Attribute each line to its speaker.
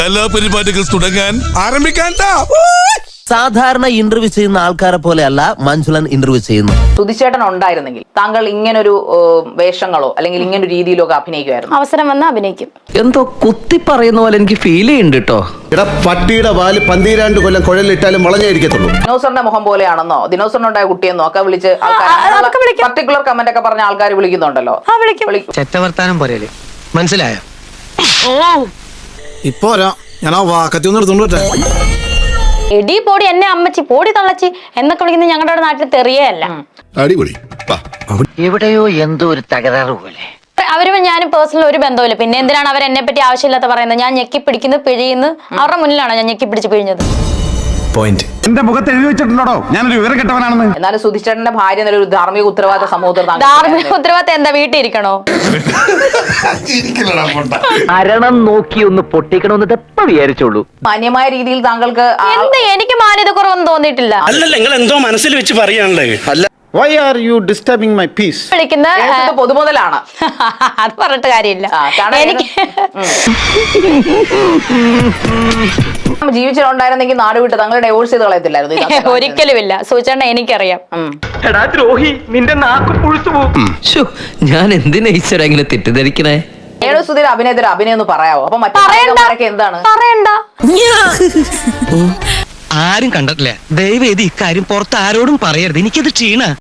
Speaker 1: എല്ലാ പരിപാടികൾ തുടങ്ങാൻ ആരംഭിക്കാൻ.
Speaker 2: സാധാരണ ഇന്റർവ്യൂ ചെയ്യുന്ന ആൾക്കാരെ പോലെയല്ല മഞ്ജുളൻ ഇന്റർവ്യൂ ചെയ്യുന്നു.
Speaker 3: സുധിച്ചേട്ടൻ ഉണ്ടായിരുന്നെങ്കിൽ താങ്കൾ ഇങ്ങനൊരു വേഷങ്ങളോ അല്ലെങ്കിൽ ഇങ്ങനൊരു രീതിയിലോ ഒക്കെ അഭിനയിക്കുമായിരുന്നു?
Speaker 4: അവസരം വന്ന് അഭിനയിക്കും.
Speaker 5: എന്തോ കുത്തി പറയുന്ന പോലെ എനിക്ക് ഫീൽ ചെയ്യുന്നുണ്ട് കേട്ടോ.
Speaker 6: പട്ടിയുടെ വാല് 12 കൊല്ലം കുഴലിട്ടാലും വളഞ്ഞായിരിക്കത്തുള്ളൂ.
Speaker 3: ദിനോസറിന്റെ മുഖം പോലെയാണെന്നോ ദിനോസറിനുണ്ടായ കുട്ടിയെന്നോ ഒക്കെ വിളിച്ച് പർട്ടിക്കുലർ കമന്റ് ഒക്കെ പറഞ്ഞ ആൾക്കാർ വിളിക്കുന്നുണ്ടല്ലോ.
Speaker 5: ചെറ്റവർത്താനം പോരല്ലേ, മനസ്സിലായോ?
Speaker 6: ഇപ്പൊ ഞാൻ ആ വാക്കത്തി ഒന്ന് എടുത്തോണ്ട്
Speaker 4: എടി പോടി, എന്നെ അമ്മച്ചി പോടി തള്ളച്ചി എന്നൊക്കെ വിളിക്കുന്നത് ഞങ്ങളുടെ നാട്ടിൽ തെറിയല്ല.
Speaker 1: അടിപൊളി.
Speaker 5: എവിടെയോ എന്തോ ഒരു തകരാറ് പോലെ.
Speaker 4: അവരും ഞാനും പേഴ്സണൽ ഒരു ബന്ധവുമില്ല. പിന്നെ എന്തിനാണ് അവർ എന്നെ പറ്റി ആവശ്യമില്ലാത്ത പറയുന്നത്? ഞാൻ ഞെക്കി പിടിക്കുന്നു, പിഴിയുന്നു. അവരുടെ മുന്നിലാണോ ഞാൻ ഞെക്കി പിടിച്ച് പിഴിഞ്ഞത്?
Speaker 7: എന്റെ മുഖത്ത് എഴുതി വെച്ചിട്ടുണ്ടോ ഞാനൊരു വിവരം കെട്ടവനാണെന്ന്?
Speaker 3: എന്നാലും സുധിച്ചേട്ടന്റെ ഭാര്യ എന്നൊരു ധാർമ്മിക ഉത്തരവാദിത്ത സമൂഹത്തിൽ
Speaker 4: ധാർമ്മിക ഉത്തരവാദിത്തം എന്താ, വീട്ടിൽ ഇരിക്കണോ?
Speaker 5: മരണം നോക്കി ഒന്ന് പൊട്ടിക്കണമെന്ന് എപ്പോ വിചാരിച്ചോളൂ.
Speaker 3: മാന്യമായ രീതിയിൽ താങ്കൾക്ക്
Speaker 4: എന്ത്, എനിക്ക് മാന്യത കുറവൊന്നും തോന്നിയിട്ടില്ല.
Speaker 8: അല്ലല്ല, നിങ്ങൾ എന്തോ മനസ്സിൽ വെച്ച് പറയാണല്ലേ.
Speaker 6: Why are you disturbing my peace?
Speaker 4: വിളിക്കുന്ന
Speaker 3: പൊതുമുതലാണ്.
Speaker 4: അത് പറഞ്ഞിട്ട് കാര്യമില്ല. എനിക്ക്
Speaker 3: ജീവിച്ചിട്ടുണ്ടായിരുന്നെങ്കിൽ നാട് വിട്ട് താങ്കൾ ഡൈവോഴ്സ് ചെയ്ത് കളയത്തില്ലായിരുന്നു?
Speaker 4: ഒരിക്കലുമില്ല സൂചന, എനിക്കറിയാം.
Speaker 5: എടാ ദ്രോഹി, നിന്റെ നാക്ക് പുഴുത്തു പോകും. ഞാൻ എന്തിനാ ഈശ്വര ഇങ്ങനെ തെറ്റിദ്ധരിക്കണേ?
Speaker 3: സുധീർ അഭിനയത്തിന് അഭിനയം ഒന്ന് പറയാവോ? അപ്പൊ മറ്റേ എന്താണ്
Speaker 4: പറയണ്ട.
Speaker 5: ആരും കണ്ടിട്ടില്ല. ദയവേദി ഇക്കാര്യം പുറത്ത് ആരോടും പറയരുത്. എനിക്കത് ക്ഷീണ.